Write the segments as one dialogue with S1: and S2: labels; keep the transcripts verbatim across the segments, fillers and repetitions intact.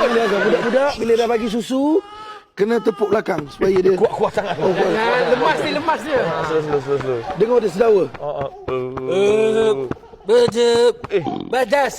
S1: Dia agak budak-budak bila dah bagi susu kena tepuk belakang supaya dia
S2: kuat-kuat sangat.
S1: Oh, kuat.
S3: Lemas ni, lemas dia.
S2: Slow, slow, slow, slow.
S1: Dengar dia sedawa.
S3: Eh, Bejep. Eh, badas.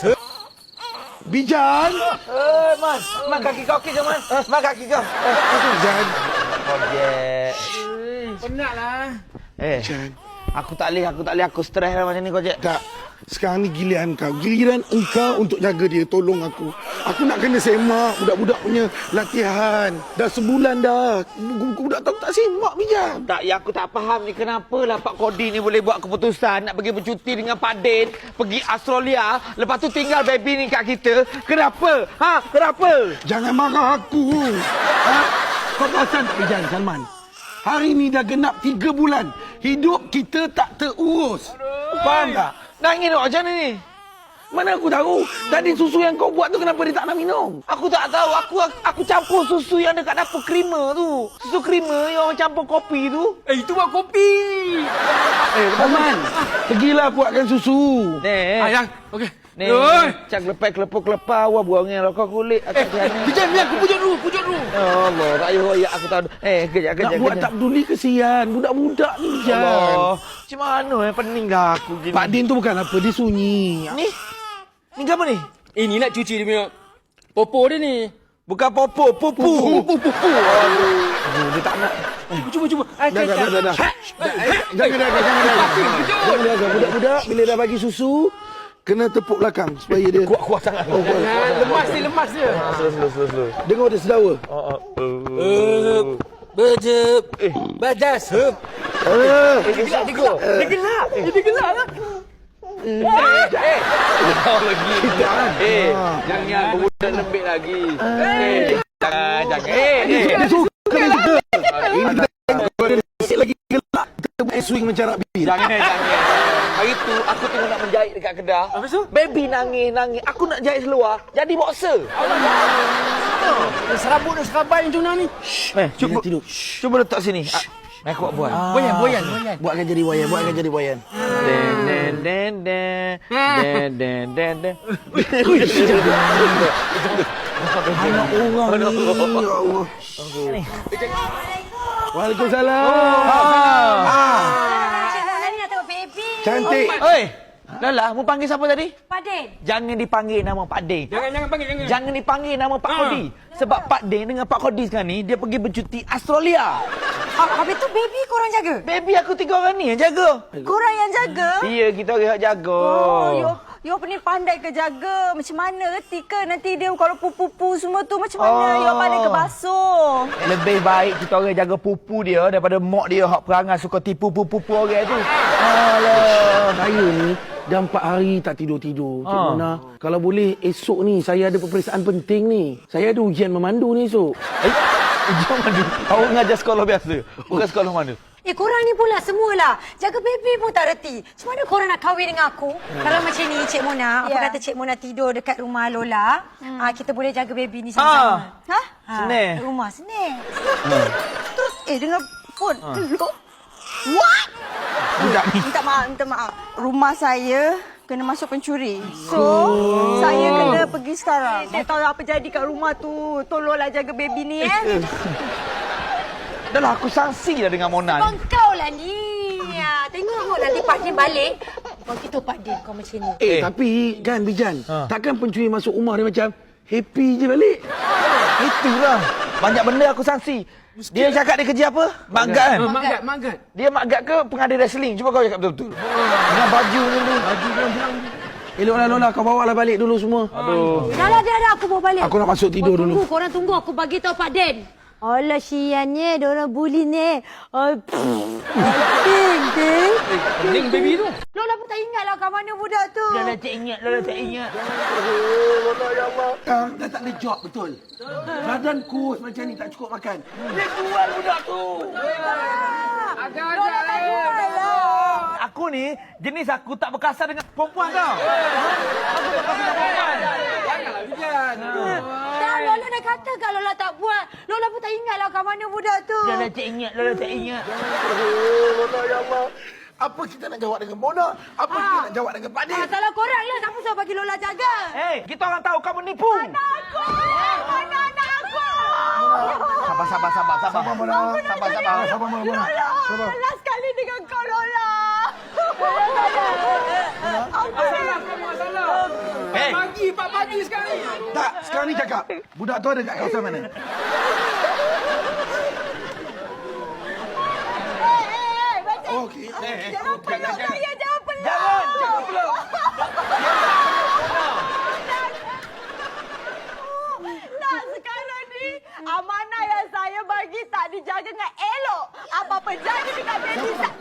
S1: Bijan.
S2: Eh, Mas. Mas kaki kau okey ke, Mas? Mas kaki kau.
S1: Bijan.
S2: Kojek.
S3: Penatlah.
S2: Eh, aku tak boleh, aku tak boleh. Aku stres lah macam ni, Kojek.
S1: Tak. Sekarang ni giliran kau. Giliran engkau untuk jaga dia. Tolong aku. Aku nak kena semak budak-budak punya latihan. Dah sebulan dah. Budak tak tak semak Bijan.
S2: Tak, ya aku tak faham ni kenapa lah Pak Kodi ni boleh buat keputusan nak pergi bercuti dengan Pak Din, pergi Australia, lepas tu tinggal baby ni kat kita. Kenapa? Ha? Kenapa?
S1: Jangan marah aku. Ha? Kau perasan tak Bijan, Salman? Hari ni dah genap tiga bulan. Hidup kita tak terurus. Faham tak?
S2: Nangis dok macam ni.
S1: Mana aku tahu? Tadi susu yang kau buat tu kenapa dia tak nak minum?
S2: Aku tak tahu. Aku aku campur susu yang dekat dapur krima tu. Susu krima yang orang campur kopi tu.
S3: Eh, itu buat kopi.
S1: Eh, Salman, pergilah buatkan susu.
S2: Ni.
S3: Ayang, okey.
S2: Ni.
S3: Oi.
S2: Cak lepas kelepuk kelepar awak buang dengan rokok kulit
S3: Eh,
S2: atas tiana.
S3: Bijan, biar aku pujuk dulu, pujuk dulu.
S2: Ya Allah, tak payah royak aku tahu. Eh, kejap kejap.
S1: Nak buat
S2: kejap.
S1: tak peduli kesian. Budak-budak ni Bijan.
S2: Allah. Macam mana eh pening dah aku gini.
S1: Pak Din tu bukan apa, dia sunyi.
S2: Ni. Ni apa ni?
S3: Ini nak cuci dia punya popo dia ni.
S2: Bukan popo, pupu.
S1: Pupu, pupu.
S2: Aduh, dia tak nak.
S3: Cuba, cuba. Ah,
S1: Dah, dah, dah, dah, dah. Jangan dah, jangan dah. Jangan dah, budak-budak bila dah bagi susu kena tepuk belakang supaya dia
S2: Kuat-kuat sangat.
S1: Oh, kuat.
S3: Lemas ni, lemas dia.
S2: Slow, slow, slow, slow.
S1: Dengar dia sedawa.
S3: Eh, Bejep. Eh, badas.
S1: Eh,
S3: Dia gelak, dia gelak. Dia gelak. Dia gelak lah.
S2: Eh, eh. Kau lagi. Eh,
S1: Ah.
S2: jangan berbudak lembik lagi. Eh, jangan, jangan. Eh, eh.
S1: dia suka, dia suka. Ini kita tengok dia sikit lagi gelak. Kita buat swing macam rugby.
S2: Jangan, jangan. Hari tu aku tengok nak menjahit dekat Kedah.
S3: Apa tu?
S2: Baby nangis, nangis. Aku nak jahit seluar. Jadi boxer.
S3: Serabut dan serabai macam mana ni?
S2: Eh, cuba
S1: Jangan tidur.
S2: cuba letak sini. Ah, eh, aku buat buat.
S3: Boyan, boyan, boyan.
S1: Buatkan jadi wayan, buatkan jadi wayan.
S2: Den den den den den den den den.
S1: Anak orang ni, ya Allah. Waalaikumsalam.
S4: Ah. Ni nak tengok baby.
S1: Cantik.
S2: Oi, Lala, mu panggil siapa tadi?
S4: Pak Din.
S2: Jangan dipanggil nama Pak Din.
S3: Jangan, jangan panggil, jangan.
S2: Jangan dipanggil nama Pak Kodi. Sebab Pak Din dengan Pak Kodi sekarang ni dia pergi bercuti Australia.
S4: Ah, habis tu baby korang jaga?
S2: Baby aku tiga orang ni yang jaga.
S4: Korang yang jaga?
S2: Iya, kita orang yang jaga.
S4: Oh, you, you ni pandai ke jaga? Macam mana reti ke nanti dia kalau pupu-pupu semua tu macam mana?
S2: Oh.
S4: You pandai ke basuh?
S2: Lebih baik kita orang jaga pupu dia daripada mak dia hak perangai suka tipu pupu-pupu orang tu.
S1: Alah, saya ni dah empat hari tak tidur-tidur. Cik
S2: Ah.
S1: Mona, kalau boleh esok ni saya ada peperiksaan penting ni. Saya ada ujian memandu ni esok.
S2: Eh, ujian mana? Awak ngajar sekolah biasa? Bukan sekolah mana?
S4: Eh, korang ni pula semualah. Jaga baby pun tak reti. Macam mana korang nak kahwin dengan aku? Kalau macam ni, Cik Mona, apa
S5: Ya.
S4: kata Cik Mona tidur dekat rumah Lola, ah, kita boleh jaga baby ni
S2: Ah.
S4: sama-sama. Ha? Ha,
S2: Senang.
S4: rumah, senang. Terus, terus, eh, dengan phone. Look. What?
S2: Budak ni.
S5: Minta maaf, minta maaf. Rumah saya kena masuk pencuri. So, saya kena pergi sekarang. Tak tahu apa jadi kat rumah tu. Tolonglah jaga baby ni, eh.
S2: Dah lah, aku sangsi dah dengan Mona ni.
S4: Abang kau lah ni. Ya, tengok nanti Pak Din balik. Kau kita Pak Din kau macam ni.
S1: Eh,
S2: Eh.
S1: tapi kan Bijan,
S2: Ha.
S1: takkan pencuri masuk rumah dia macam happy je balik?
S2: Itulah. Banyak benda aku sangsi. Dia cakap dia kerja apa? Magat kan?
S3: Ah, Magat, magat.
S2: Dia magat ke pengadil wrestling? Cuba kau cakap betul-betul. Dengan baju ni tu.
S3: Baju dia bilang.
S1: Eh, Lola, Lola, kau bawa lah balik dulu semua.
S2: Aduh.
S4: Dah lah, dah dah aku bawa balik.
S1: Aku nak masuk tidur
S4: Kau
S1: dulu.
S4: tunggu, korang tunggu aku bagi tahu Pak Din. Alah siannya, diorang bully ni. Ay, Din, Din.
S3: Pening baby tu.
S4: Lola pun tak ingat lah kat mana budak tu.
S2: Lola tak ingat, Lola tak ingat.
S1: Ah, dah tak ada job, betul. Badan kurus macam ni tak cukup makan. Dia jual budak tu.
S3: Agak-agak lah.
S2: Aku ni, jenis aku tak berkasar dengan perempuan tau. Aku tak berkasar dengan perempuan.
S3: Janganlah, Bijan.
S4: Dah, Lola dah kata kalau Lola tak buat. Lola pun tak ingat lah kat mana budak tu.
S2: Lola tak ingat, Lola tak ingat.
S1: Lola, ya Allah. Apa kita nak jawab dengan Mona? Apa kita nak jawab dengan Pak Din?
S4: Ah, salah korang lah. Siapa suruh bagi Lola jaga?
S2: Eh, kita orang tahu kau menipu.
S4: Aku!
S2: sabar, sabar, sabar.
S1: Sabar, Mona.
S2: Sabar, sabar.
S1: Sabar, Mona. Mona. Sabar.
S5: Last kali dengan kau, Lola.
S3: Masalah kamu masalah.
S2: Eh.
S3: Pagi, Pak pagi sekali.
S1: Tak, sekarang ni cakap. Budak tu ada kat kawasan mana?
S5: Eh, eh, eh, macam...
S1: Oh, okey.
S5: Jangan peluk saya, jangan peluk.
S2: Jangan, jangan peluk.
S5: Tak, sekarang ni amanah yang saya bagi tak dijaga dengan elok. Apa-apa jadi dekat baby saya.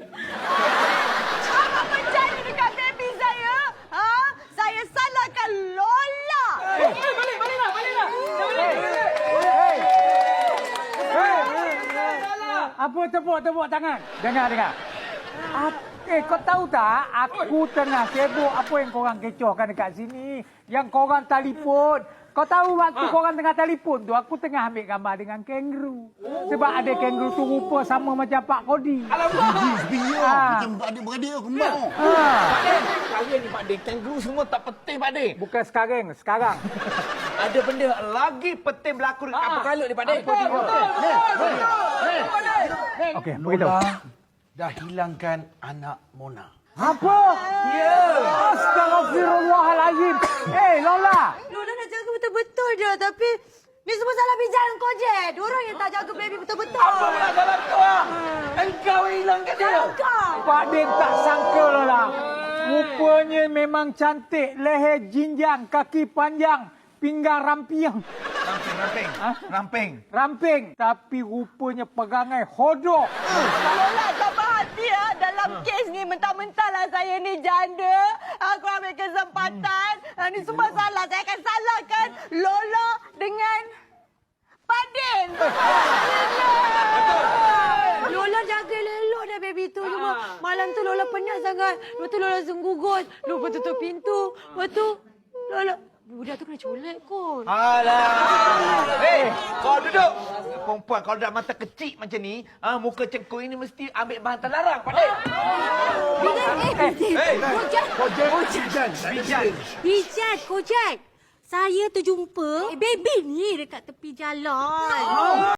S5: Apa-apa jadi dekat baby saya, ha? Saya salahkan Lola.
S3: Eh, balik, baliklah, baliklah. Balik, balik.
S6: Apa tepuk-tepuk tangan? Dengar, dengar. Ap- eh, kau tahu tak? Aku tengah sibuk. Apa yang korang kecohkan dekat sini? Yang korang telefon. Kau tahu waktu
S3: Ha.
S6: korang tengah telefon tu, aku tengah ambil gambar dengan kangaroo. Sebab ada kangaroo tu rupa sama macam Pak Kodi.
S3: Alamak.
S6: Ha.
S1: Macam adik-beradik kembang.
S6: Ha.
S2: Pak Den, sekarang ni Pak Den, kangaroo semua tak penting Pak Den.
S6: Bukan sekarang, sekarang.
S2: Ada benda lagi penting berlaku dekat apa kalau ni Pak Den.
S3: Betul, betul, betul.
S6: Okey, beritahu.
S1: Dah hilangkan anak Mona.
S6: Apa? Ya. Astagfirullahalazim. Eh, Lola.
S4: Lola nak jaga betul-betul je. Tapi ni semua salah bijak kau je. Diorang yang tak jaga baby betul-betul.
S2: Apa pula dalam tu ah? Engkau hilangkan dia.
S4: Kau.
S6: Pak Din tak sangka, Lola. Rupanya memang cantik. Leher jinjang, kaki panjang, pinggang rampiang.
S2: Ramping, ramping.
S6: Ha?
S2: Ramping.
S6: Ramping. Tapi rupanya pegangai hodok.
S5: Lola, sabar hati ya. Dalam kes ni mentah-mentahlah saya ni janda. Aku ambil kesempatan. Ah, ni semua salah. Saya akan salahkan Lola dengan Pak Din.
S4: Lola jaga elok dah baby tu. Cuma malam tu Lola penat sangat. Lepas tu Lola senggugut. Lupa tutup pintu. Lepas tu Lola... Budak tu kena colek kot.
S2: Alah. Hei, kau duduk. Perempuan kalau dah mata kecil macam ni, ah muka cengkuk ini mesti ambil bahan terlarang, Pak Den.
S4: Bijan, eh, Bijan.
S2: Hey.
S4: Kojak.
S1: Kojek, Bijan.
S2: Bijan.
S4: Bijan, Kojak. Saya terjumpa baby ni dekat tepi jalan.